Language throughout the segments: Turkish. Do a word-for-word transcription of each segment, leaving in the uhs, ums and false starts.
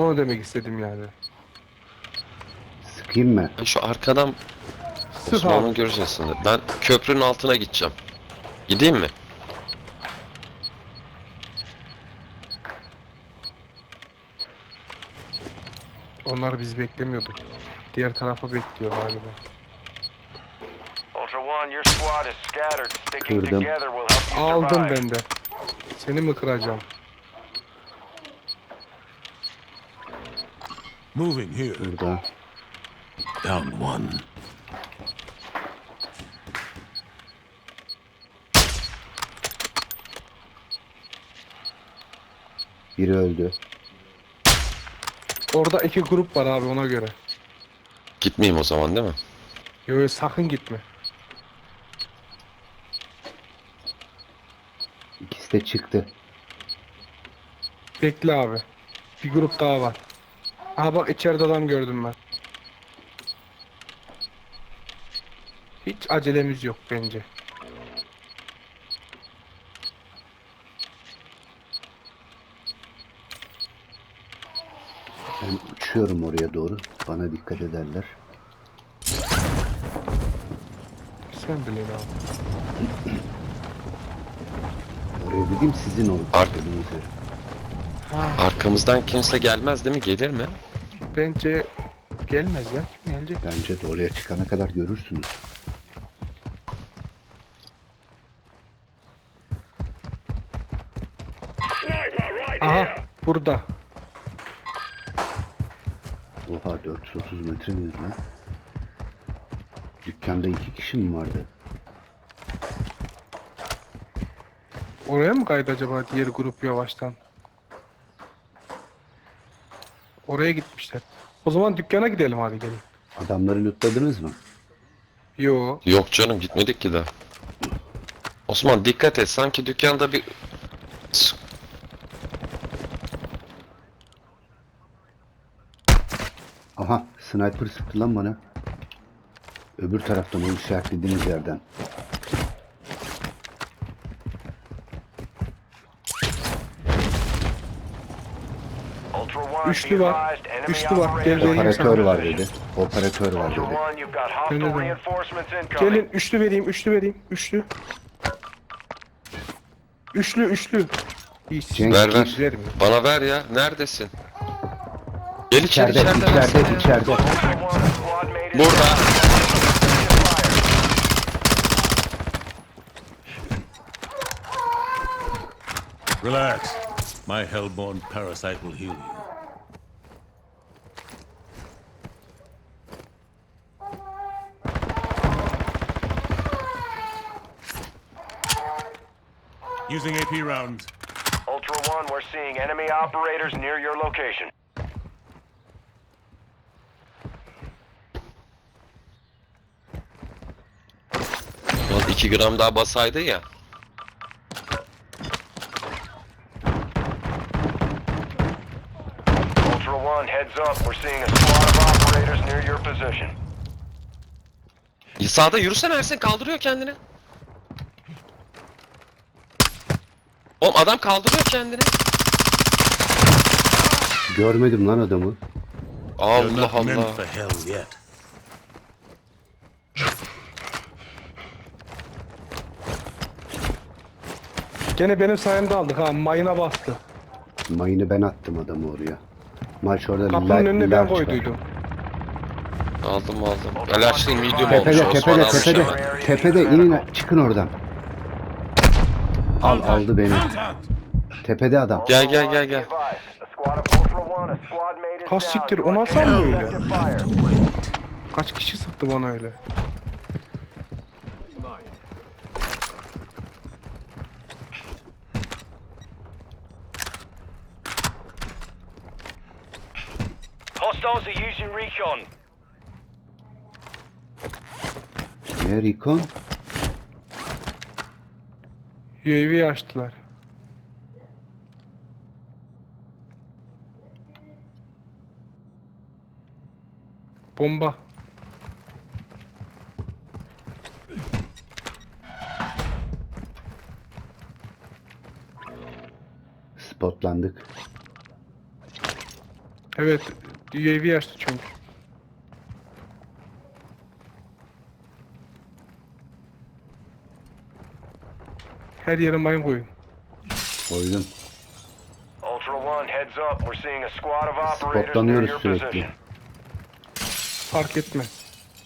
onu demek istedim yani. Sıkayım mı? Ben şu arkadan Sık Osman'ın abi. göreceğiz şimdi. Ben köprünün altına gideceğim. Gideyim mi? Onlar bizi beklemiyordu. Diğer tarafa bekliyor galiba. Ultra One, your squad is scattered. Sticking Kırdım. together will help you Aldım survive. ben de. Seni mi kıracağım? Moving here. Burada. Down one. Biri öldü. Orada iki grup var abi, ona göre. Gitmeyeyim o zaman değil mi? Yo, yo, sakın gitme. İkisi de çıktı. Bekle abi. Bir grup daha var. Aha bak, içeride adam gördüm ben. Hiç acelemiz yok bence. Ben uçuyorum oraya doğru. Bana dikkat ederler. Sen bilin abi. Oraya dediğim sizin oldu. Ar- dediğiniz yer. Ha, Arkamızdan kimse gelmez değil mi? Gelir mi? bence gelmez ya. Kim gelecek? Bence de oraya çıkana kadar görürsünüz. Aha burada. Oha, dört yüz otuz metre miyiz lan? Dükkanda iki kişi mi vardı? Oraya mı kaydı acaba diğer grup yavaştan? Oraya gitmişler. O zaman dükkana gidelim, hadi gelin. Adamları lootladınız mı? Yo. Yok canım, gitmedik ki daha. Osman dikkat et, sanki dükkanda bir... Aha, sniper sıktı lan bana. Öbür taraftan, o işaretlediğiniz yerden. Ultra One, Üçlü be var. advised, enemy Üçlü var. Gel operators vereyim are Operatör sana. var dedi. Operatör var Ultra dedi. One, you've got hostile Öyle de. reinforcements incoming. Gelin, üçlü vereyim, üçlü vereyim, üçlü. Üçlü, üçlü. İyi, Cenk, Ver ver. siz vermiyor. Bana ver ya. Neredesin? Gel içeri, İçeride, içeride. içeride, versene ya. içeride. Ultra One, a squad mate is Burada. Relax. My hellborn parasite will heal you. Using A P rounds. Ultra One, we're seeing enemy operators near your location. Ulan iki gram daha basaydı ya. Ultra One, heads up. We're seeing a squad of operators near your position. Sağda yürüsene Ersin, kaldırıyor kendini. Oğlum adam kaldırıyor kendini. Görmedim lan adamı. You're Allah not meant Allah. for hell yet. Gene benim sayemde aldık ha, mayına bastı. Mayını ben attım adamı oraya. Maç orada Kapının la- önüne ben large var. koyduydum. Aldım aldım. Alerjli medium olmuş. Tepede, Osman tepede, almış tepede. hemen. Tepede inin, çıkın oradan. Al, aldı beni. Tepede adam. Gel gel gel gel. Be advised, a squad of Ultra One, a squad mate is Ha, down. siktir, You o are nasıl taking alıyor öyle? effective fire. Kaç kişi sıktı bana öyle? Hostiles are using recon. Ne Recon? U A V açtılar. Bomba. Spotlandık. Evet. U A V açtı çünkü. Her yere mayın koyun. Koydum. Ultra One, heads up. We're seeing a squad of operators near Spotlanıyoruz your sürekli. position. Fark etmez.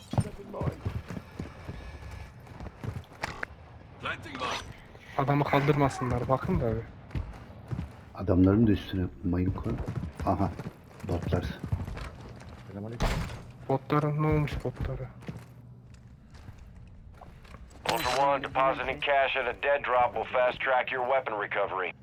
Adamı kaldırmasınlar. Bakın da abi. Adamların da üstüne mayın koy. Aha. Botlar. Botların ne olmuş botlara? Ultra One, depositing cash at a dead drop will fast track your weapon recovery.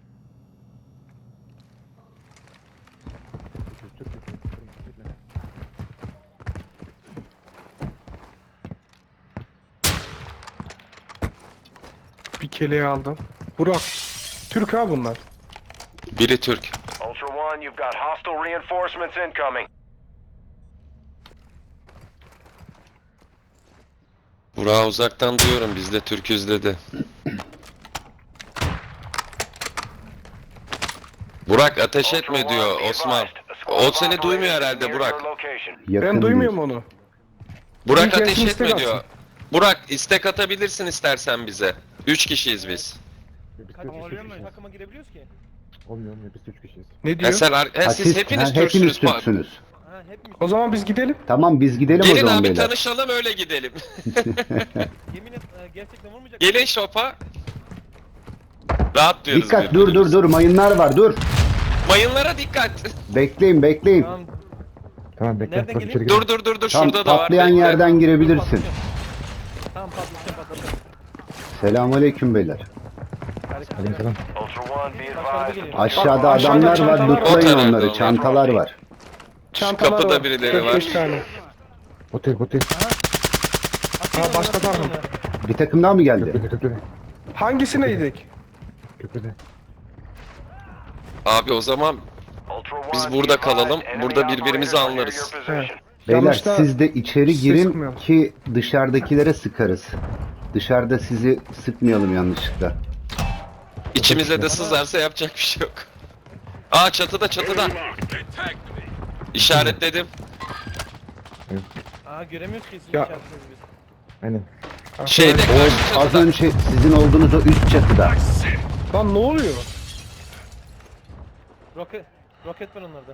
Bir keleği aldım. Burak. Türk ha bunlar. Biri Türk. Ultra One, you've got hostile reinforcements incoming. Burak'ı uzaktan duyuyorum. Biz de Türk'üz dedi. Burak ateş etme diyor Osman. O seni duymuyor herhalde Burak. Yakın Ben duymuyorum değil. onu. Burak Bir ateş gelsin, istek etme diyor. atsın. Burak istek atabilirsin istersen bize. Üç kişiyiz biz. Takıma girebiliyoruz ki. Olmuyor olmuyor biz üç kişiyiz. Ne Ha, diyor? sen, ar- ha, Ha, siz siz- hepiniz ha, Türksünüz. hepiniz Pa- Türksünüz. Ha hepimiz. O zaman biz gidelim. Tamam biz gidelim o Gelin zaman abi beyler. tanışalım öyle gidelim. Yemin et e, gerçekten vurmayacak. Gelin şopa. Rahat diyoruz. Dikkat dur dur birbirimize. dur mayınlar var dur. Mayınlara dikkat. Bekleyin bekleyin. Tamam. Tamam bekle. Nereden Bak geleyim? içeri gir. Dur dur dur dur Tam şurada da var. patlayan bekle. yerden girebilirsin. Tamam patlatacağım patlatacağım. Selamünaleyküm beyler. Aleykümselam. Ultra One, be advised. Aşağıda Bak, aşağıda adamlar var, çantalar var. lootlayın O tarafta onları. onlar. Çantalar var. Çantalar kapıda var. birileri dört beş var. tane. Otel otel. Ha, başka var mı? Bir takım daha mı geldi? Köprüde köprüde. Hangisine gidelim? Köprüde. Abi o zaman Biz burada kalalım, burada birbirimizi anlarız. Evet. Beyler Yanlışta siz de içeri sizi girin sıkmayalım. ki dışarıdakilere sıkarız. Dışarıda sizi sıkmayalım yanlışlıkla. içimize de sızarsa yapacak bir şey yok. Aa çatıda çatıda. İşaretledim. Aa göremiyoruz ki sizin Ya. işaretinizi biz. Aynen. Şeyde karşı O az çatıda. önce sizin olduğunuz o üst çatıda. Lan ne oluyor? Roket, roket var onlarda.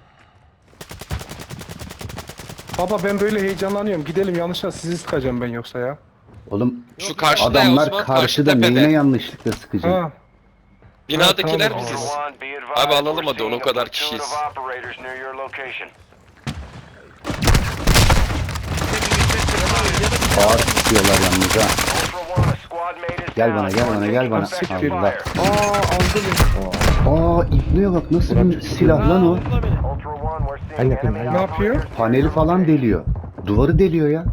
Baba ben böyle heyecanlanıyorum. Gidelim yanlışla sizi sıkacağım ben yoksa ya. Oğlum Şu karşıda adamlar Osman, karşı karşıda tepede. neyine yanlışlıkla sıkacak? Ha. Binadakiler Ha, tamam. biziz. Abi Abi alalım hadi, onu kadar kişiyiz. Ağır tutuyorlar yalnız ha. Gel bana, gel bana, gel bana. Siktir. Allah. Aa aldı beni. Aa İbni'ye bak nasıl bir silah lan o. vurdular beni. En yakın, en Ne yapıyor? Paneli falan deliyor. Duvarı deliyor ya.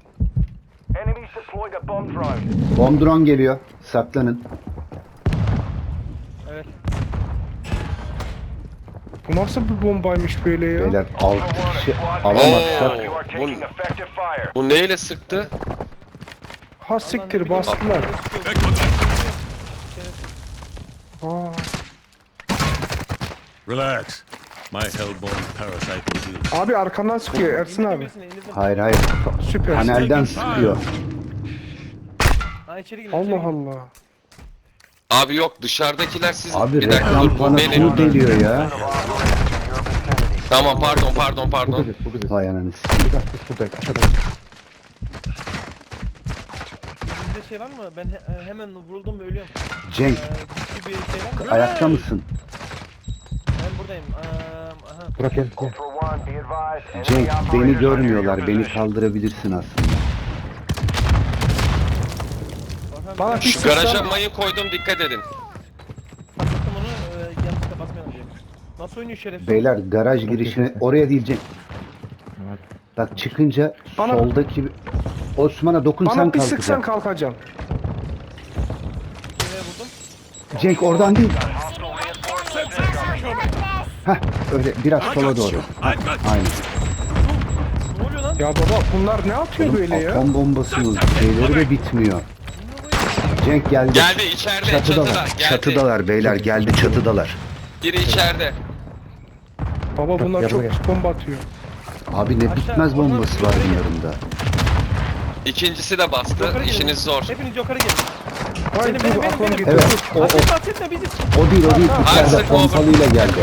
Bomb drone geliyor. Saklanın. Evet. Bu nasıl bir bombaymış böyle ya? Beyler altı kişi alamazsak. Oo, bu, bu neyle sıktı? Ha siktir bastılar. Aa. Relax. My hellborn parasite will heal. Abi arkandan sıkıyor Ersin abi. Birisini elinizden- Hayır hayır. Süper. Panelden sıkıyor. Ha içeri girin. içeri Allah girin. Allah. Abi yok dışarıdakiler siz. Abi bir dakika reklam dur bu bana benim. tur deliyor ya. Tamam pardon pardon Bu pardon. biziz bu biziz. Vay ananı sikeyim. Burada biz buradayız. Aşağıda. Bizde şey var mı? Ben he- hemen vuruldum ve ölüyorum. Cenk Ee, güçlü bir şey var mı? ayakta mısın? Ben buradayım. Ee, aha. Burak gel gel. Cenk beni görmüyorlar. Beni kaldırabilirsin aslında. Orhan, Bana ben bir Şu garaja sıksan. mayın koydum dikkat edin. patlattım onu. E, yanlışlıkla basmayalım diye. Nasıl oynuyor şerefsiz? Beyler garaj girişine oraya değil Cenk. Hadi. Bak çıkınca Bana- soldaki Osman'a dokunsan Bana bir sıksan kalkacak. kalkacağım. Şuraya vurdum. Cenk oradan değil. Heh öyle biraz sola doğru. Aynen. Ne oluyor lan? Ya baba bunlar ne yapıyor böyle ya? Atom bombasının şeyleri de bitmiyor. Cenk geldi. Geldi içeride çatıda. Çatıdalar. Geldi. Çatıdalar beyler geldi çatıdalar. Biri içeride. Baba bunlar Gel çok buraya. pis bomba atıyor. Abi ne Aşağı- bitmez onlar bombası var yukarı bunların da. İkincisi de bastı. Yukarı gelin. İşiniz zor. Hepiniz yukarı gelin. Vay Benim, bu benim, benim, aklım benim. gitti. Evet o, o, Bahset bahsetme bizi. o değil o değil. Hayır, İçeride sıkma pompalıyla geldi.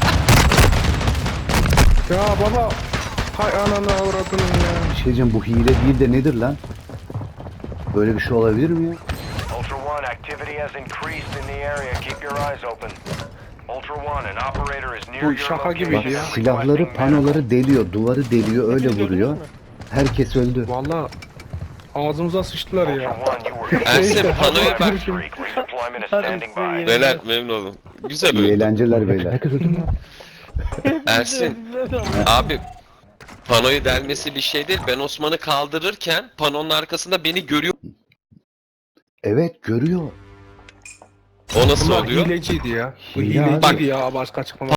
Ya baba. Hay ananı avradını ya. Bir şey diyeceğim, bu hile değil de nedir lan? Böyle bir şey olabilir mi ya? Ultra One, activity has increased in the area. Keep your eyes open. Ultra One, an operator is near Bu your şaka location. gibiydi ya. and Silahları, requesting medical. panoları deliyor, duvarı deliyor, öyle Hepiniz vuruyor. öldünüz mü? Herkes öldü. Valla ağzımıza sıçtılar Ultra ya. One, you were Ersin Neyse, panoyu hadi bak. görüşürüz. Streak. Redeployment is Hadi standing size by. Beyler memnun oldum. Güzel İyi oldu. eğlenceler beyler. Herkes öldü mü? Ersin abi panoyu delmesi bir şey değil. Ben Osman'ı kaldırırken panonun arkasında beni görüyor. Evet görüyor. O nasıl Bunlar oluyor? hileciydi ya. Bu Hile abi. hileciydi ya başka açıklama.